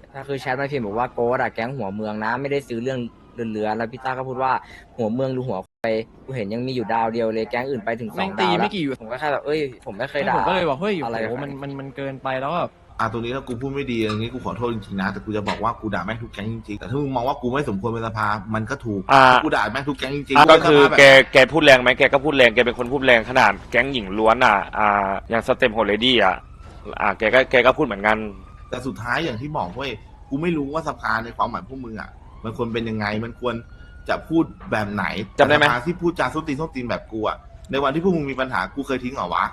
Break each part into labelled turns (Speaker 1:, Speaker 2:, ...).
Speaker 1: ถ้าคือแชทมาพิมพ์บอกว่าโกดอะแก๊งหัวเมืองนะไม่ได้ซื้อเรื่องเรือแล้วพี่ต้าก็พูดว่าหัวเมืองดูหัวไปกูเห็นยังมีอยู่ดาวเดียวเลยแก๊งอื่นไปถึง2 ดาวแล้วผมก็แค่แบบเอ้ยผมไม่เคยด่า
Speaker 2: ผมก็เลยบอกเฮ้ย
Speaker 1: อะไร
Speaker 2: โหมันเกินไปแล้วแบบ
Speaker 3: ตรงนี้ถ้ากูพูดไม่ดีอย่างนี้กูขอโทษจริงๆนะแต่กูจะบอกว่ากูด่าแม่งทุกแก๊งจริงๆแต่ถ้ามึงมองว่ากูไม่สมควรเป็นสภามันก็ถูกกูด่าแม่งทุกแก๊งจริงๆ
Speaker 4: ก็คือแกพูดแรงไหมแกก็พูดแรงแกเป็นคนพูดแรงขนาดแก๊งหญิงล้วนอย่างสเต็มโฮเลดี้แกก็พูดเหมือนกัน
Speaker 3: แต่สุดท้ายอย่างที่บอกเว้ยกูไม่รู้ว่าสภาในความหมายพวกมึงมันควรเป็นยังไงมันควรจะพูดแบบไหน
Speaker 4: จำได้ไหม
Speaker 3: สภาที่พูดจาส้นตีนแบบกูในวันที่พวกมึงมีปัญหากูเคยทิ้งเหรอวะ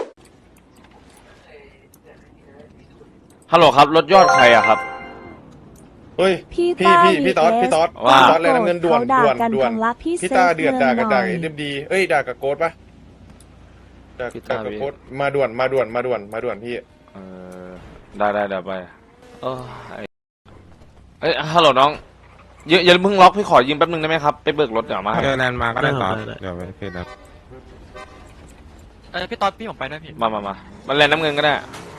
Speaker 4: ฮัลโหลครับรถยอดใครอะครับ
Speaker 5: เฮ้ยพี่ต๊อดพี่ต๊อดเลยน้ำเงินด่วนพี่ตาเดือดด่ากับเอ็มดีเอ้ยด่ากับโกดปะด่ากับโกดมาด่วนพี่
Speaker 4: ได้เดี๋ยวไปฮัลโหลน้องอย่าเพิ่งล็อกพี่ขอยืมแป๊บนึงได้ไหมครับไปเบิกรถเดี๋ยวมา
Speaker 6: เจอแลนด์มาก็ได้ต่อเดี๋ยวไปเพจครับ
Speaker 2: พี่ต๊อดพี่ผมไปด้วยพี่
Speaker 4: มามันแลนน้ำเงินก็ได้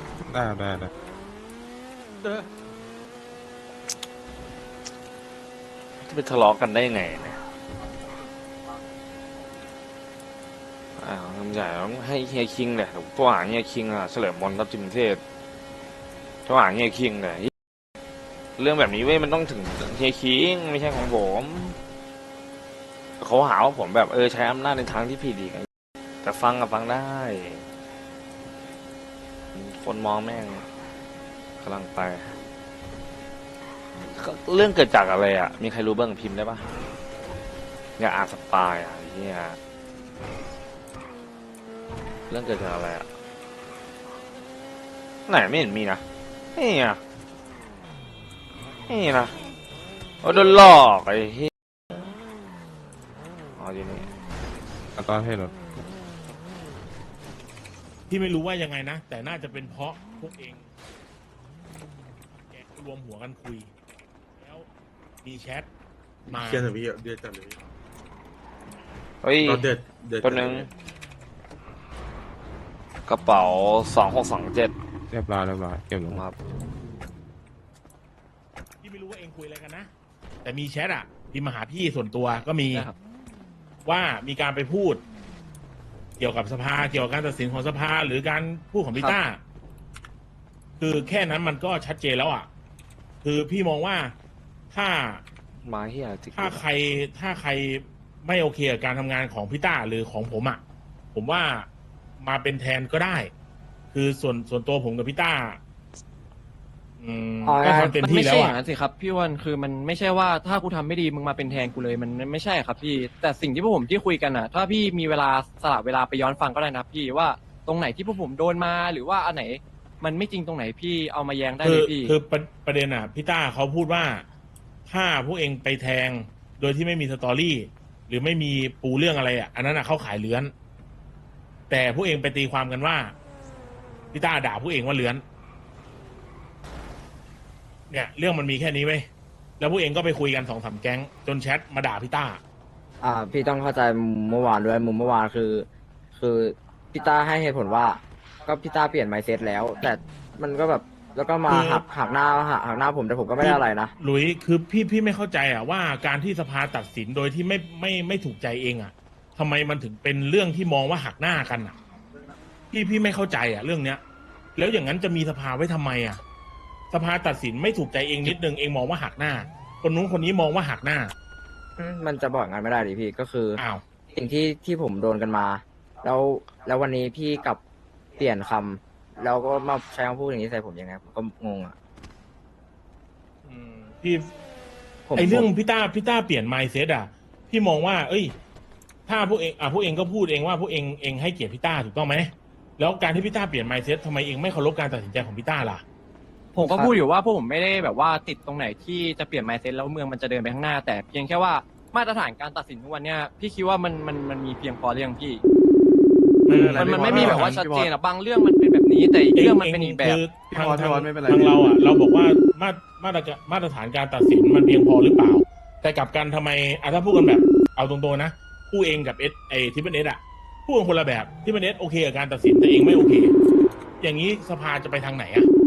Speaker 4: จะไปทะเลาะกันได้ไงเนี่ยใหญ่ต้องให้เฮียคิงเลยตัวหางเฮียคิงเฉลิมมนรับจิมเทศตัวหางเฮียคิงเลยเรื่องแบบนี้เว้ยมันต้องถึงเฮียคิงไม่ใช่ของผมเขาหาว่าผมแบบใช้อำนาจในทางที่ผิดอีกแต่ฟังได้คนมองแม่งกำลังไปเรื่องเกิดจากอะไรมีใครรู้บ้างพิมพ์ได้ปะอย่าอ่านสปายเนี่ยเรื่องเกิดจากอะไรไหนไม่เห็นมีนะนี่นะโดนหลอกไอ้เหี้ยอยู่นี่
Speaker 6: ตอนให้รถ
Speaker 7: พี่ไม่รู้ว่ายังไงนะแต่น่าจะเป็นเพราะพวกเองแกรวมหัวกันคุยแล้วมีแชทมา
Speaker 5: เชื่อพี่เดือดจัดเลย
Speaker 4: เฮ้ยตัวนึงกระเป๋า2627
Speaker 6: เรียบร้อยเก็บลง
Speaker 4: ครับ
Speaker 7: พี่ไม่รู้ว่าเองคุยอะไรกันนะแต่มีแชทพิมพ์มาหาพี่ส่วนตัวก็มีว่ามีการไปพูดเกี่ยวกับสภาเกี่ยวกับการตัดสินของสภาหรือการพูดของพี่ต้าคือแค่นั้นมันก็ชัดเจนแล้วคือพี่มองว่าถ้าใครไม่โอเคกับการทำงานของพี่ต้าหรือของผมผมว่ามาเป็นแทนก็ได้คือส่วนตัวผมกับพี่ต้าก็ทำเต็มที่แล้ว
Speaker 2: มันไม่ใช่อย่างนั้นสิครับพี่วันคือมันไม่ใช่ว่าถ้ากูทำไม่ดีมึงมาเป็นแทนกูเลยมันไม่ใช่ครับพี่แต่สิ่งที่พวกผมที่คุยกันถ้าพี่มีเวลาสละเวลาไปย้อนฟังก็ได้นะพี่ว่าตรงไหนที่พวกผมโดนมาหรือว่าอันไหนมันไม่จริงตรงไหนพี่เอามาแย้งได้เลยพี่
Speaker 7: คือประเด็นพี่ต้าเขาพูดว่าถ้าพวกเองไปแทงโดยที่ไม่มีสตอรี่หรือไม่มีปูเรื่องอะไรอันนั้นเข้าขายเลื้อนแต่พวกเองไปตีความกันว่าพี่ต้าด่าพวกเองว่าเลื้อนเนี่ยเรื่องมันมีแค่นี้เว้ยแล้วพวกเองก็ไปคุยกัน2-3 แก๊งจนแชทมาด่าพี่ต้า
Speaker 1: พี่ต้องเข้าใจเมื่อวานด้วยมุมเมื่อวานคือพี่ต้าให้เหตุผลว่าก็พี่ต้าเปลี่ยนไมซ์เซ็ตแล้วแต่มันก็แบบแล้วก็มาหักหน้าผมแต่ผมก็ไม่ได้อะไรนะ
Speaker 7: หลุยคือพี่ไม่เข้าใจว่าการที่สภาตัดสินโดยที่ไม่ถูกใจเองทำไมมันถึงเป็นเรื่องที่มองว่าหักหน้ากันพี่ไม่เข้าใจเรื่องเนี้ยแล้วอย่างนั้นจะมีสภาไว้ทำไมสภาตัดสินไม่ถูกใจเองนิดนึงเองมองว่าหักหน้าคนนู้นคนนี้มองว่าหักหน้า
Speaker 1: มันจะบอกงั้นไม่ได้ดิพี่ก็คือสิ่งที่ผมโดนกันมาแล้ววันนี้พี่กลับเปลี่ยนคำแล้วก็มาใช้คำพูดอย่างนี้ใส่ผมยังไงผมก็งง
Speaker 7: พี่ไอเรื่องพี่ต้าเปลี่ยน mindset พี่มองว่าถ้าพวกเองก็พูดเองว่าพวกเองให้เกียรติพี่ต้าถูกต้องไหมแล้วการที่พี่ต้าเปลี่ยน mindset ทำไมเองไม่เคารพการตัดสินใจของพี่ต้าล่ะ
Speaker 2: ผมก็พูดอยู่ว่าพวกผมไม่ได้แบบว่าติดตรงไหนที่จะเปลี่ยน mindset แล้วเมืองมันจะเดินไปข้างหน้าแต่เพียงแค่ว่ามาตรฐานการตัดสินทุกวันเนี้ยพี่คิดว่ามันมีเพียงพอหรือยังพี่มันไม่มีแบบว่าชัดเจนบางเรื่องมันเป็นแบบนี้แต่อีกเรื่องมันเป็นอีกแบบ
Speaker 7: ทางเราบอกว่ามาตรฐานการตัดสินมันเพียงพอหรือเปล่าแต่กลับกันทำไมถ้าพูดกันแบบเอาตรงๆนะผู้เองกับทิปเปิลเอสพูดกันคนละแบบทิปเปิลเอสโอเคกับการตัดสินแต่เองไม่โอเคอย่างนี้สภาจะไปทางไหน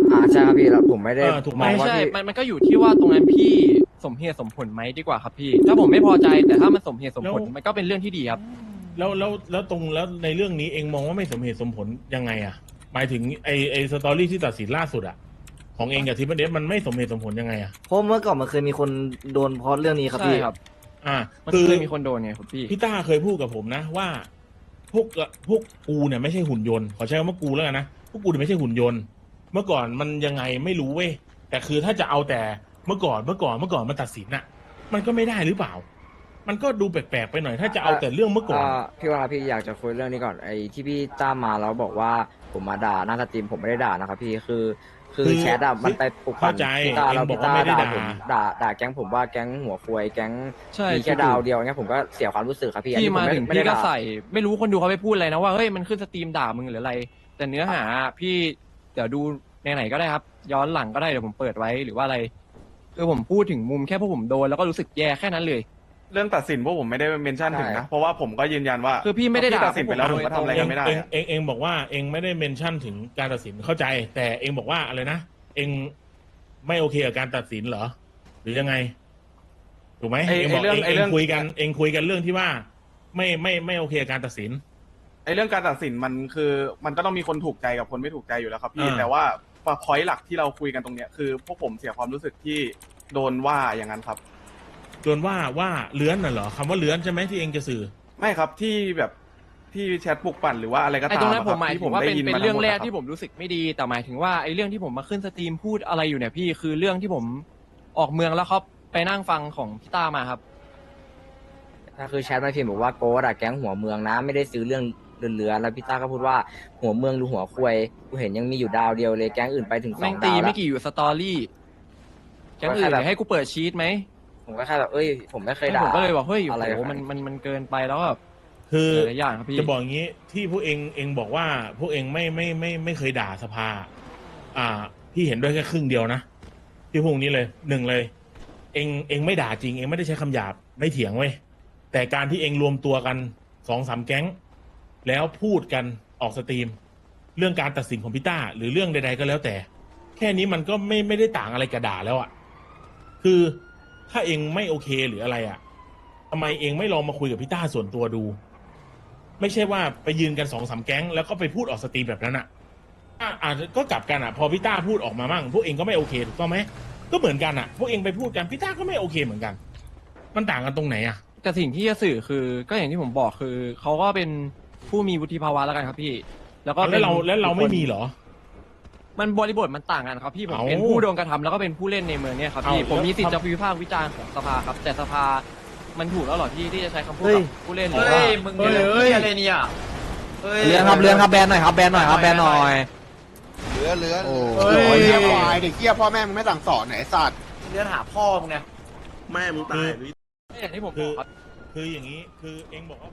Speaker 1: ใช่ครับพี่แล้วผมไม่ได้
Speaker 7: ถูกไหม
Speaker 1: มอง
Speaker 2: ไม่
Speaker 1: ว่า
Speaker 2: ใช่
Speaker 1: พี่
Speaker 2: มันก็อยู่ที่ว่าตรงนั้นพี่สมเหตุสมผลไหมดีกว่าครับพี่ ถ้าผมไม่พอใจแต่ถ้ามันสมเหตุสมผลมันก็เป็นเรื่องที่ดีครับ
Speaker 7: แล้วในเรื่องนี้เองมองว่าไม่สมเหตุสมผลยังไงอ่ะหมายถึงไอสตอรี่ที่ตัดสินล่าสุดอ่ะของเองกับทิปเปิลเดฟมันไม่สมเหตุสมผลยังไงอ่ะ
Speaker 8: เพราะเมื่อก่อนมันเคยมีคนโดนเพราะเรื่องนี้ครับ
Speaker 2: ใช่
Speaker 8: พี่
Speaker 2: ครับ มัน
Speaker 7: คือ
Speaker 2: เคยมีคนโดนไงครับพี่
Speaker 7: พี่ต้าเคยพูดกับผมนะว่าพวกกูเนี่ยไม่ใช่หุ่นยนต์ขอใช้คำว่ากูแล้วกันนะพวกกูเนี่ยไม่ใช่หุ่นยนต์เมื่อก่อนมันยังไงไม่รู้เว้ยแต่คือถ้าจะเอาแต่เมื่อก่อนมันตัดสินน่ะ มันก็ไม่ได้หรือเปล่า มันก็ดูแปลกๆไปหน่อยถ้าจะเอาแต่เรื่องเมื่อก่อน
Speaker 1: พี่ว่าพี่อยากจะคุยเรื่องนี้ก่อนไอ้ที่พี่ตามมาแล้วบอกว่าผมมาด่าหน้าสตรีมผมไม่ได้ด่านะครับพี่คือ
Speaker 7: คือ
Speaker 1: แชทอะมันไปปลุกปั่น
Speaker 7: เข้าใจ
Speaker 1: พี่ตาแล้ว
Speaker 7: เองบอก
Speaker 1: พี่ตา
Speaker 7: ว่าไม่ได้
Speaker 1: ด่า
Speaker 7: ด่า
Speaker 1: ผมด่าแก๊งผมว่าแก๊งหัวควยแก๊ง
Speaker 2: ใช่
Speaker 1: มีแค่ดาวเดียวเงี้ยผมก็เสียความรู้สึกครับพี่อัน
Speaker 2: พี่
Speaker 1: นี้ผม
Speaker 2: มา
Speaker 1: ไม่
Speaker 2: ถึง
Speaker 1: ไม่ได้
Speaker 2: พี่ก็
Speaker 1: ด่า
Speaker 2: ใส่ไม่รู้คนดูเขาไปพูดอะไรนะว่าเฮ้ยมันขึ้นสตรีมด่ามึงหรืออะไร แต่เนื้อหาพี่เดี๋ยวดูไหนๆก็ได้ครับ ย้อนหลังก็ได้เดี๋ยวผมเปิดไว้หรือว่าอะไร คือผมพูดถึงมุมแค่พวกผมโดนแล้วก็รู้สึกแย่แค่นั้นเลย
Speaker 9: เรื่องตัดสินพวกผมไม่ได้เมนชั่นถึงนะ เพราะว่าผมก็ยืนยันว่า
Speaker 2: คือพี่ไม่ได้ด่า
Speaker 9: ตัดสินไปแล้วผมก็ทำอะไรกันไม่ได้อะ
Speaker 7: เองบอกว่าเองไม่ได้เมนชั่นถึงการตัดสินเข้าใจ แต่เองบอกว่าอะไรนะเองไม่โอเคกับการตัดสินเหรอ หรือยังไงถูกไหม
Speaker 9: ไอ้
Speaker 7: เองบอก
Speaker 9: เรื่อง
Speaker 7: เอง
Speaker 9: ไอ้เรื่อง
Speaker 7: คุยกันเรื่องที่ว่าไม่โอเคกับการตัดสิน
Speaker 9: ไอ้เรื่องการตัดสินมันคือมันก็ต้องมีคนถูกใจกับคนไม่ถูกใจอยู่แล้วครับพี่
Speaker 7: อ่า
Speaker 9: แต่ว่าพอยต์หลักที่เราคุยกันตรงเนี้ยคือพวกผมเสียความรู้สึกที่โดนว่าอย่างนั้นครับ
Speaker 7: โดนว่าเลื้อนน่ะเหรอคำว่าเลื้อนใช่ไหมที่เองจะสื่อ
Speaker 9: ไม่ครับที่แบบที่แชทปลุกปั่นหรือว่าอะไรก็
Speaker 2: ไอ้
Speaker 9: ตาม
Speaker 2: ตรงนั้น
Speaker 9: อะ
Speaker 2: ผ
Speaker 9: ค
Speaker 2: ม
Speaker 9: บ
Speaker 2: หมาย
Speaker 9: ที่
Speaker 2: ถึงว่าเป็น
Speaker 9: ได้ยิ
Speaker 2: เป็น
Speaker 9: มา
Speaker 2: เรื่อง
Speaker 9: ทั้หมด
Speaker 2: แรก
Speaker 9: ะคบ
Speaker 2: ที่ผมรู้สึกไม่ดี แต่หมายถึงว่าไอ้เรื่องที่ผมมาขึ้นสตรีมพูดอะไรอยู่เนี่ยพี่คือเรื่องที่ผมออกเมืองแล้วเขาไปนั่งฟังของพี่ต้ามาครับ
Speaker 1: ถ้าคือแชทมาพิมพ์บอกว่าโกดอะแก๊งหัวเมืองนะไม่ได้ซื้อเรื่องเรือแล้วพี่ต้าก็พูดว่าหัวเมืองหรือหัวควยกูเห็นยังมีอยู่ดาวเดียวเลยแก๊งอื่นไปถึงสอ
Speaker 2: แม่
Speaker 1: ง
Speaker 2: งตี
Speaker 1: ดาวแล้
Speaker 2: ไม่
Speaker 1: ว
Speaker 2: กี่อยู่สตอรี่แก๊งอื่น
Speaker 1: ก็แค่แบบ
Speaker 2: เดี๋ยวให้กูเปิดชีตไหม
Speaker 1: ผมก็แค่แบบเอ้ยผมไม่เคย
Speaker 2: แล้ว
Speaker 1: ด่า
Speaker 2: ผมก็เลยบอกเฮ้ย
Speaker 1: อะไร
Speaker 2: โอ้โห
Speaker 1: แบบ
Speaker 2: มันเกินไปแล้วแบบ
Speaker 7: คือ
Speaker 2: หลายอย่างครับพี่
Speaker 7: จะบอกอย่างนี้ที่พวกเองบอกว่าพวกเองไม่เคยด่าสภา พี่เห็นด้วยแค่ครึ่งเดียวนะที่พวกนี้เลยหนึ่งเลย เองไม่ด่าจริงเองไม่ได้ใช้คำหยาบไม่เถียงเว้ยแต่การที่เองรวมตัวกัน2-3แก๊ง แล้วพูดกันออกสตรีม เรื่องการตัดสินของพี่ต้าหรือเรื่องใดๆก็แล้วแต่ แค่นี้มันก็ไม่ได้ต่างอะไรกับด่าแล้วอะ่ะคือถ้าเองไม่โอเคหรืออะไรอะ่ะทำไมเองไม่ลองมาคุยกับพี่ต้าส่วนตัวดู ไม่ใช่ว่าไปยืนกัน2-3แก๊งแล้วก็ไปพูดออกสตรีมแบบนั้นอ่ะอาจจะก็กลับกันอ่ะ พอพี่ต้าพูดออกมามั่งพวกเองก็ไม่โอเคถูกต้องไหมก็เหมือนกันอ่ะ พวกเองไปพูดกันพี่ต้าก็ไม่โอเคเหมือนกัน มันต่างกันตรงไหนอ่ะ
Speaker 2: แต่สิ่งที่จะสื่อคือก็อย่างที่ผมบอกคือเขาก็เป็นผู้มีวุฒิภาวะแล้วกันครับพี่ แล้วก็
Speaker 7: แล้วเราไม่มีเหรอ
Speaker 2: มันบริบทมันต่างกันครับพี่ผม
Speaker 7: เอ้า
Speaker 2: เป็นผู้โดนกระทำแล้วก็เป็นผู้เล่นในเมืองเนี่ยครับพี่
Speaker 7: เอ้า
Speaker 2: ผมมีสิทธิ์
Speaker 7: แล้ว
Speaker 2: จะวิพากษ์วิจารณ์ของสภาครับ แต่สภามันถูกแล้วเหรอที่จะใช้คำพูด
Speaker 8: เฮ้ย
Speaker 2: กับผู้เล่นหรือว่า
Speaker 8: มึงเนี่ยอะไรเนี่ย
Speaker 1: เรื่องครับแบนหน่อยครับแบนหน่อยครับแบนหน่อย
Speaker 10: เลือน
Speaker 1: โอ้
Speaker 10: เฮ้ยเฮียควายเด็กเฮียพ่อแม่มึงไม่สั่งสอนไหนไอ้สัตว์
Speaker 8: เรื่องหาพ่อมึงเนี่ย
Speaker 10: แม่มึงตาย
Speaker 2: อย่างที่ผมบ
Speaker 7: คือ
Speaker 2: อกครับ
Speaker 7: คืออย่างนี้คือเองบอกว่า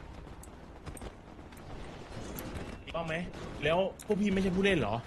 Speaker 7: ถูกต้องไหมแล้วพวกพี่ไม่ใช่ผู้เล่นเหรอ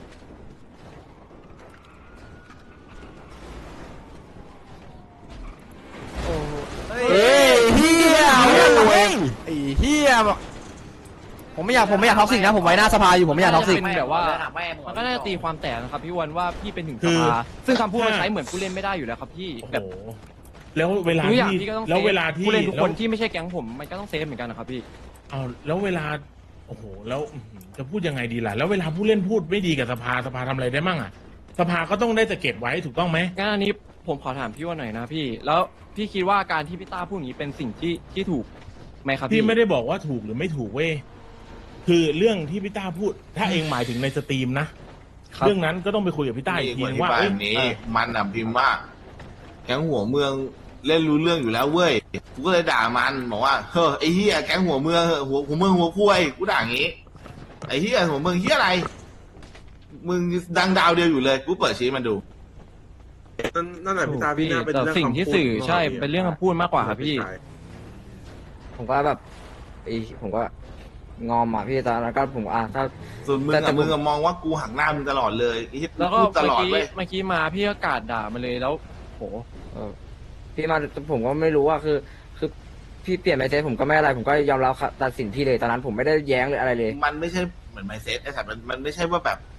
Speaker 8: เฮ้ยเฮียเว้ยไอ้เฮียผมไม่อยากท็อกซิกนะผมไว้หน้าสภาอยู่ผมไม่อยากท็อกซิก
Speaker 2: เป็นแบบว่ามันก็น่าจะตีความแตกนะครับพี่วันว่าพี่เป็นถึง
Speaker 7: คื
Speaker 2: ส
Speaker 7: อ
Speaker 2: ภาซึ่งคำพูดมันใช้เหมือนผู้เล่นไม่ได้อยู่แล้วครับพี่
Speaker 7: โอ้โห
Speaker 2: แบบ
Speaker 7: แล้วเวลา
Speaker 2: ทุกอย่าง
Speaker 7: ที่
Speaker 2: พี่ก็ต้อง
Speaker 7: แล้วเวลาที่
Speaker 2: ผู้เล่นทุกคน
Speaker 7: แล้ว
Speaker 2: ที่ไม่ใช่แก๊งผมมันก็ต้องเซฟเหมือนกันนะครับพี่
Speaker 7: เอาแล้วเวลาโอ้โหแล้วจะพูดยังไงดีล่ะแล้วเวลาผู้เล่นพูดไม่ดีกับสภาทำอะไรได้มั่งอ่ะสภาก็ต้องได้แต่เก็บไว้ถูกต้องไหม
Speaker 2: งั้นอันนี้ผมขอถามพี่ว่าหน่อยนะพี่ แล้วพี่คิดว่าการที่พี่ต้าพูดอย่างนี้เป็นสิ่งที่ถูกไหมครับ
Speaker 7: พี่ไม่ได้บอกว่าถูกหรือไม่ถูกเว้ยคือเรื่องที่พี่ต้าพูด ถ้าเองหมายถึงในสตรีมนะ
Speaker 2: ครับ
Speaker 7: เรื่องนั้นก็ต้องไปคุยกับพี่ต้าอีกทีนึงว่า
Speaker 3: แบ
Speaker 7: เอ้ย
Speaker 3: บนี้มันอ่ะพิมพ์ว่าแก๊งหัวเมืองเล่นรู้เรื่องอยู่แล้วเว้ยกูก็เลยด่ามันบอกว่าเฮ้ยไอ้เหี้ยแก๊งหัวเมืองหัวเมืองหัวคุ้ยกูด่าอย่างงี้ไอ้เหี้ยหัวเมืองเหี้ยอะไรมึงดังดาวเดียวอยู่เลยกูเปิดชี้มันดู
Speaker 10: นั่นแหละพี่ตาพี่
Speaker 2: พี่
Speaker 10: น่าเป็น
Speaker 2: แต่
Speaker 10: เรื่อง
Speaker 2: สิ่งที่
Speaker 10: คำพูด
Speaker 2: สื่อใช่เป็นเรื่องคำพูดมากกว่าครับพี่
Speaker 1: ผมก็แบบผมก็งอมอ่ะพี่ตอนนั้นก็ผมถ้า
Speaker 3: ส่วนมึง
Speaker 1: แต่
Speaker 3: อะ
Speaker 1: ผม
Speaker 3: มึงอะมองว่ากูหักหน้ามึงตลอดเลยไอ้เหี้ย
Speaker 2: แล้วก็
Speaker 3: พูดตลอด
Speaker 2: เมื่อกี้
Speaker 3: เว้ย
Speaker 2: เมื่อกี้มาพี่ก็กราดด่ามาเลยแล้วโห
Speaker 1: พี่มาผมก็ไม่รู้ว่าคือพี่เปลี่ยนไมเซ็ตผมก็ไม่อะไรผมก็ยอมรับตัดสินพี่เลยตอนนั้นผมไม่ได้แย้งเลยอะไรเลย
Speaker 3: มันไม่ใช่เหมือนไมเซ็ตไอ้สัตว์มันไม่ใช่ว่าแบบ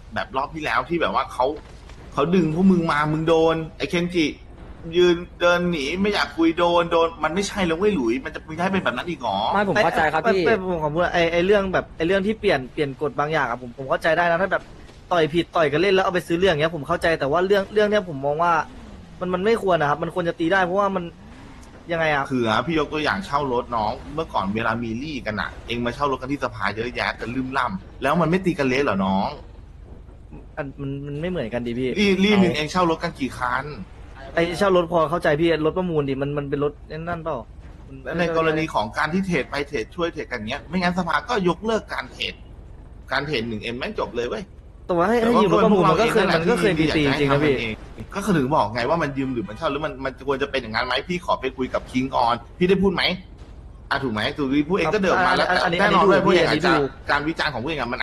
Speaker 3: แบบรอบที่แล้วที่แบบว่าเขาดึงพวกมึงมามึงโดนไอ้เคนจิยืนเดินหนีไม่อยากคุยโดนมันไม่ใช่แล้วเว้ยหลุยมันจะไม่ได้เป็นแบบนั้นอีกหรอ
Speaker 1: ไม่ผมเข้าใจครับพี่
Speaker 8: ผมขอพูดไอ้เรื่องแบบไอ้เรื่องที่เปลี่ยนกฎบางอย่างอะผมเข้าใจได้นะถ้าแบบต่อยผิดต่อยกันเล่นแล้วเอาไปซื้อเรื่องเงี้ยผมเข้าใจแต่ว่าเรื่องเนี้ยผมมองว่ามันไม่ควรนะครับมันควรจะตีได้เพราะว่ามันยังไงอะ
Speaker 3: คือพี่ยกตัวอย่างเช่ารถน้องเมื่อก่อนเวลามีลี่กันอะเองมาเช่ารถกันที่สภาเยอะแยะกันลืมล่ำแล้วมันไม่ตีกันเละเหรอน้อง
Speaker 8: มันไม่เหมือนกันดิพี่
Speaker 3: ลี่หนึ่งเองเช่ารถกันกี่คัน
Speaker 8: ไอ้เช่ารถพอเข้าใจพี่รถประมูลดิมันเป็นรถนั่นเปล่า
Speaker 3: และในกรณีของการที่เทรดไปเทรดช่วยเทรดกันเนี้ยไม่งั้นสภาก็ยกเลิกการเทรด1M แม่งจบเลยเว้ย
Speaker 8: แต่ว่าให้ยืมรถประมูลมันก็เคยมีตีจริงนะพี่
Speaker 3: ก็คือถึงบอกไงว่ามันยืมหรือมันเช่าหรือมันควรจะเป็นอย่างนั้นไหมพี่ขอไปคุยกับคิงก่อนพี่ได้พูดไหมถูกไหมถูกพูดเองก็เดินมาแล้วแต่แน่นอนด้วยพวกเองอาจจะการวิจารณ์ของพวกเองมัน